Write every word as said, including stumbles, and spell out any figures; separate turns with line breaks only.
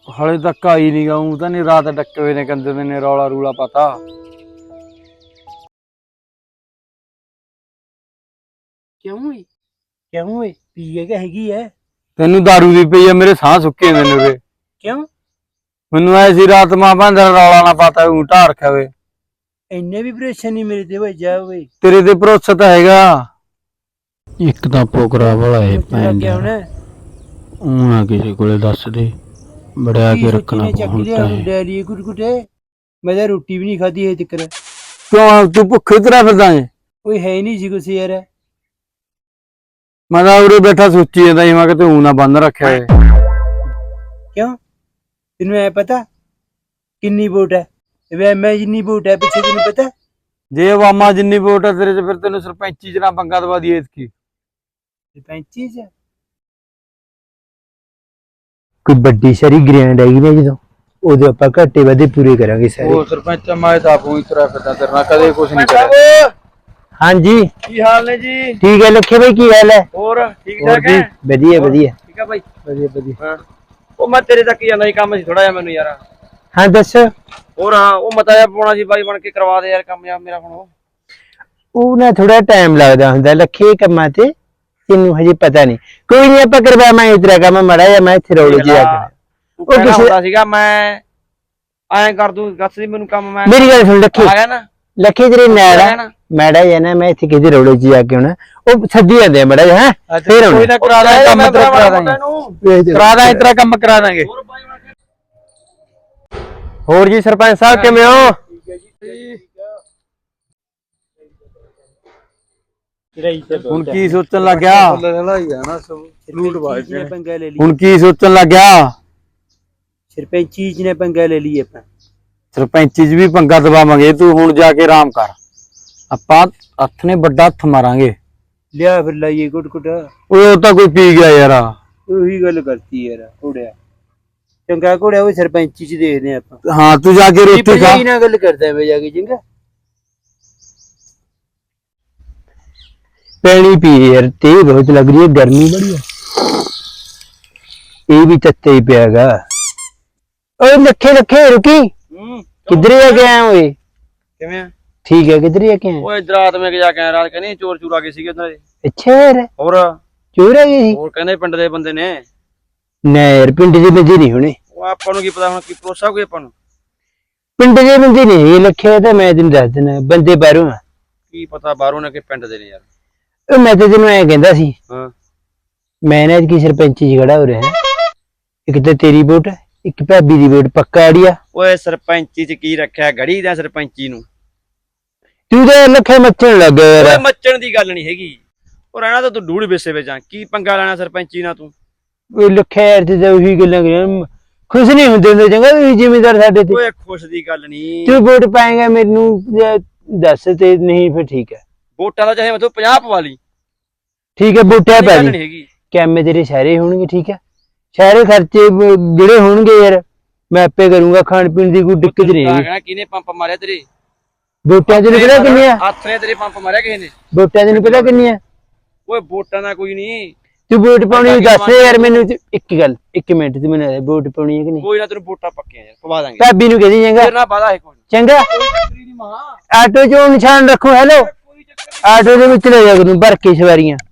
ਹਾਲੇ ਤੱਕ ਆਈ ਨਹੀਂ ਗਾਉਂ ਤਾਂ ਨਹੀਂ ਰਾਤ ਡੱਕੇ ਹੋਏ ਨੇ ਕੰਦੇ ਦੇ ਨੇ ਰੌਲਾ ਰੂਲਾ ਪਤਾ
ਕਿਉਂ ਏ ਕਿਉਂ ਏ ਪੀ ਕੇ ਹੈਗੀ ਐ
ਤੈਨੂੰ ਦਾਰੂ ਦੀ ਪਈ ਆ ਮੇਰੇ ਸਾਹ ਸੁੱਕੇ ਨੇ ਮੇਰੇ
ਕਿਉਂ
ਮੈਨੂੰ ਐ ਸੀ ਰਾਤ ਮਾਂ ਭਾਂਦਰ ਰੌਲਾ ਨਾ ਪਤਾ ਉਹ ਢਾ ਰੱਖਿਆ ਵੇ
ਇੰਨੇ ਵੀ ਪ੍ਰੈਸ਼ਰ ਨਹੀਂ ਮੇਰੇ ਤੇ ਵੇ ਜਾ ਓਏ
ਤੇਰੇ ਤੇ ਭਰੋਸਾ ਤਾਂ ਹੈਗਾ
ਇੱਕ ਤਾਂ ਪੋਕਰਾ ਵਾਲਾ ਏ ਭੈਣ
ਕਿਆ ਹੋਣਾ
ਉਹਨਾਂ ਕਿਸੇ ਕੋਲੇ ਦੱਸ ਦੇ ਬੜਿਆ ਕੇ ਰੱਖਣਾ ਪਹੁੰਚਦਾ ਹੈ
ਡੈਰੀ ਕੁਟਕੁਟੇ ਮੈਂ ਤਾਂ ਰੋਟੀ ਵੀ ਨਹੀਂ ਖਾਧੀ ਹੈ ਤਿੱਕਰ
ਕਿਉਂ ਤੂੰ ਭੁੱਖੇ ਤੇਰਾ ਫਿਰਦਾ ਏ
ਕੋਈ ਹੈ ਨਹੀਂ ਸੀ ਕੁਛ ਯਾਰ
ਮੈਂ ਤਾਂ ਉਰੇ ਬੈਠਾ ਸੋਚੀ ਜਾਂਦਾ ਸੀ ਮੈਂ ਕਿ ਤੂੰ ਨਾ ਬੰਦ ਰੱਖਿਆ ਏ
ਕਿਉਂ ਤੈਨੂੰ ਐ ਪਤਾ ਕਿੰਨੀ ਵੋਟ ਹੈ ਵੇ ਮੈਂ ਜਿੰਨੀ ਵੋਟ ਹੈ ਪਿੱਛੇ ਤੈਨੂੰ ਪਤਾ
ਜੇ ਵਾਮਾ ਜਿੰਨੀ ਵੋਟ ਹੈ ਤੇਰੇ ਚ ਫਿਰ ਤੈਨੂੰ ਸਰਪੰਚੀ ਚ ਨਾ ਪੰਗਾ ਦਵਾ ਦੀ ਇਤਕੀ
ਸਰਪੰਚੀ ਚ
ਕੋਈ ਵੱਡੀ ਸਾਰੀ ਗ੍ਰੈਂਡ ਆਈ ਨਾ ਜਦੋਂ ਉਹਦੇ ਆਪਾਂ ਘਾਟੇ ਵਾਦੇ ਪੂਰੇ ਕਰਾਂਗੇ ਸਾਰੇ
ਉਹ ਸਰਪੰਚ ਮੈਂ ਤਾਂ ਆਪੂ ਤੇਰਾ ਫਿਰਦਾ ਤੇਰੇ ਨਾਲ ਕਦੇ ਕੁਝ ਨਹੀਂ ਕਰਿਆ
ਹਾਂਜੀ
ਕੀ ਹਾਲ ਨੇ ਜੀ
ਠੀਕ ਹੈ ਲੱਖੇ ਭਾਈ ਕੀ ਹਾਲ ਹੈ
ਹੋਰ ਠੀਕ ਠਾਕ ਹੈ
ਵਧੀਆ ਵਧੀਆ
ਠੀਕ ਆ ਭਾਈ
ਵਧੀਆ ਵਧੀਆ
ਹਾਂ ਉਹ ਮੈਂ ਤੇਰੇ ਤੱਕ ਹੀ ਜਾਂਦਾ ਸੀ ਕੰਮ ਸੀ ਥੋੜਾ ਜਿਹਾ ਮੈਨੂੰ ਯਾਰ
ਹਾਂ ਦੱਸ
ਹੋਰ ਹਾਂ ਉਹ ਮਤਾ ਜਿਹਾ ਪਾਉਣਾ ਸੀ ਬਾਈ ਬਣ ਕੇ ਕਰਵਾ ਦੇ ਯਾਰ ਕੰਮ ਯਾਰ ਮੇਰਾ ਹੁਣ
ਉਹ ਨਾ ਥੋੜਾ ਟਾਈਮ ਲੱਗਦਾ ਹੁੰਦਾ ਲੱਖੇ ਕੰਮਾਂ ਤੇ ਤੈਨੂੰ ਹਜੇ ਪਤਾ ਨਹੀਂ ਕੋਈ ਨਹੀਂ ਆਪਾਂ ਕਰਵਾ ਮੈਂ ਇਤਰਾ ਕੰਮ ਮੜਾ ਜਾਂ ਮੈਂ ਇੱਥੇ ਰੋੜ ਜੀ ਆ ਕੇ
ਉਹ ਕਿਸੇ ਹੁੰਦਾ ਸੀਗਾ ਮੈਂ ਐਂ ਕਰ ਦੂੰ ਗੱਸ ਦੀ ਮੈਨੂੰ ਕੰਮ ਮੈਂ
ਮੇਰੀ ਗੱਲ ਸੁਣ ਲੱਖੇ
ਆ ਗਿਆ ਨਾ
ਲੱਖੇ ਤੇਰੇ ਮੈੜਾ ਮੈੜਾ ਜਾਂ ਨਾ ਮੈਂ ਇੱਥੇ ਕਿਤੇ ਰੋੜੇ ਜੀ ਆ ਕੇ ਹੁਣ ਉਹ ਸੱਦੀ ਜਾਂਦੇ ਮੜਾ ਜਾ ਹੈ ਫੇਰ ਹੁਣ
ਕੋਈ ਨਾ ਕਰਾ ਦਾਂ ਕੰਮ ਤੇਰਾ ਕਰਾ ਦਾਂਗੇ ਕਰਾ ਦਾਂ ਇਤਰਾ ਕੰਮ ਕਰਾ ਦਾਂਗੇ
ਹੋਰ ਜੀ ਸਰਪੰਚ ਸਾਹਿਬ ਕਿਵੇਂ ਹੋ
ਹੁਣ ਕੀ ਸੋਚਣ ਲੱਗਿਆ
ਨੇ ਪੰਗਾ ਲੈ ਲਈ
ਹੁਣ ਕੀ ਸੋਚਣ ਲੱਗਿਆ
ਸਰਪੰਚੀ ਚ ਨੇ ਪੰਗਾ ਲੈ ਲਈ ਆਪਾਂ
ਸਰਪੰਚੀ ਚ ਵੀ ਪੰਗਾ ਦਵਾਵਾਂਗੇ ਤੂੰ ਹੁਣ ਜਾ ਕੇ ਆਰਾਮ ਕਰ ਆਪਾਂ ਹੱਥ ਨੇ ਵੱਡਾ ਹੱਥ ਮਾਰਾਂਗੇ
ਲਿਆ ਫਿਰ ਲਾਈਏ ਗੁੱਟ ਗੁੱਟ
ਉਹ ਤਾਂ ਕੋਈ ਪੀ ਗਿਆ ਯਾਰ
ਉਹੀ ਗੱਲ ਕਰਤੀ ਯਾਰ ਘੋੜਿਆ ਚੰਗਾ ਘੋੜਿਆ ਉਹ ਸਰਪੰਚੀ ਚ ਦੇਖਦੇ ਆਪਾਂ
ਹਾਂ ਤੂੰ ਜਾ ਕੇ ਰੋਟੀ ਖਾ
ਕੀ ਨਾ ਗੱਲ ਕਰਦਾ ਮੈਂ ਜਾ ਕੇ ਚੰਗਾ
ਪੈਣੀ ਪੀ यार ते बहुत लग रही है गर्मी बड़ी है ये भी तत्ते ही पियागा ओए लखे लखे रुकी किधर जाके आए ओए
ਕਿਵੇਂ
ठीक है किधर जाके आए
ਓਏ ਇਧਰ ਰਾਤ ਮੈਂ ਜਾ ਕੇ ਆਇਆ ਰਾਤ ਕਹਿੰਦੇ ਚੋਰ ਚੂਰ ਆ ਗਏ ਸੀਗੇ ਉਹਨਾਂ ਦੇ
अच्छा यार
ਹੋਰ
चोर आ गए
ਹੋਰ ਕਹਿੰਦੇ ਪਿੰਡ ਦੇ ਬੰਦੇ ਨੇ
ना यार पिंड दे बंदे नहीं होने
ਉਹ ਆਪਾਂ ਨੂੰ ਕੀ ਪਤਾ ਹੁਣ ਕੀ ਭਰੋਸਾ ਕੋਈ ਆਪਾਂ ਨੂੰ
पिंड दे बंदे नहीं ये लखे तो मैं तेन दस देना बंदे बाहरों आ
ਕੀ ਪਤਾ ਬਾਹਰੋਂ ਨੇ ਕਿ ਪਿੰਡ ਦੇ ਨੇ ਯਾਰ
मैं तो तेन ऐ कहता सी
ਹਾਂ
मैं ना की सरपंची च खड़ा हो रहा है एक तो तेरी वोट एक भाभी दी वोट पक्का आड़िया
ਓਏ ਸਰਪੰਚੀ ਚ ਕੀ ਰੱਖਿਆ ਗੜੀ ਦਾ ਸਰਪੰਚੀ ਨੂੰ
तू तो लखे मचन लग गया
ਓਏ
यार
ਮੱਚਣ ਦੀ ਗੱਲ ਨਹੀਂ ਹੈਗੀ ਉਹ ਰਹਿਣਾ ਤਾਂ ਤੂੰ ਡੂੜ ਵਿਸੇ ਵਿੱਚ ਆ ਕੀ ਪੰਗਾ ਲੈਣਾ ਸਰਪੰਚੀ ਨਾਲ ਤੂੰ
लखे यार ते ਉਹੀ ਗੱਲਾਂ ਕਰੀਆਂ खुश नहीं ਹੁੰਦੇ ਹੁੰਦੇ ਚੰਗਾ ਵੀ ਜ਼ਿਮੀਂਦਾਰ ਸਾਡੇ ਤੇ
ਓਏ ਖੁਸ਼ ਦੀ ਗੱਲ ਨਹੀਂ
ਤੂੰ ਵੋਟ ਪਾਏਗਾ ਮੈਨੂੰ ਦੱਸ ਤੇ ਨਹੀਂ ਫਿਰ ਠੀਕ ਹੈ
ਵੋਟਾਂ ਦਾ ਚਾਹੇ ਮਤਲਬ ਪੰਜਾਹ ਪਵਾ ਲਈ
ਠੀਕ ਹੈ ਵੋਟਾਂ ਪੈ
ਗੱਲ
ਜੀ
ਨਹੀਂ ਹੈਗੀ
ਕੈਮੇ ਤੇਰੇ ਸਾਰੇ ਹੋਣਗੇ ਠੀਕ ਹੈ ਸਾਰੇ ਖਰਚੇ ਜਿਹੜੇ ਹੋਣਗੇ ਯਾਰ ਮੈਂ ਆਪੇ ਕਰੂੰਗਾ ਖਾਣ ਪੀਣ ਦੀ ਕੋਈ ਦਿੱਕਤ ਨਹੀਂ ਹੈਗੀ
ਕਹਿਣਾ ਕਿਹਨੇ ਪੰਪ ਮਾਰਿਆ ਤੇਰੇ
ਵੋਟਾਂ ਤੈਨੂੰ ਪਤਾ ਕਿੰਨੀਆਂ
ਹੱਥ ਨੇ ਤੇਰੇ ਪੰਪ ਮਾਰਿਆ ਕਿਸੇ ਨੇ
ਵੋਟਾਂ ਤੈਨੂੰ ਪਤਾ ਕਿੰਨੀਆਂ
ਓਏ ਵੋਟਾਂ ਦਾ ਕੋਈ ਨਹੀਂ
ਤੂੰ ਵੋਟ ਪਾਉਣੀ ਦੱਸ ਯਾਰ ਮੈਨੂੰ ਇੱਕ ਗੱਲ ਇੱਕ ਮਿੰਟ ਤੂੰ ਮੈਨੂੰ ਵੋਟ ਪਾਉਣੀ ਹੈ ਕਿ ਨਹੀਂ
ਕੋਈ ਨਾ ਤੈਨੂੰ ਵੋਟਾਂ ਪੱਕੀਆਂ ਯਾਰ ਪਵਾ ਦਾਂਗੇ
ਭਾਬੀ ਨੂੰ ਕਹਦੀ ਚੰਗਾ
ਤੇਰੇ ਨਾਲ ਵਾਦਾ ਹੈ ਕੋਈ
ਚੰਗਾ ਆਟੋ ਚੋਂ ਨਿਸ਼ਾਨ ਰੱਖੋ ਹੈਲੋ ਆਟੋ ਦੇ ਵਿੱਚ ਲੈ ਜਾ ਕਰੂੰ ਭਰ ਕੇ ਸਵਾਰੀਆਂ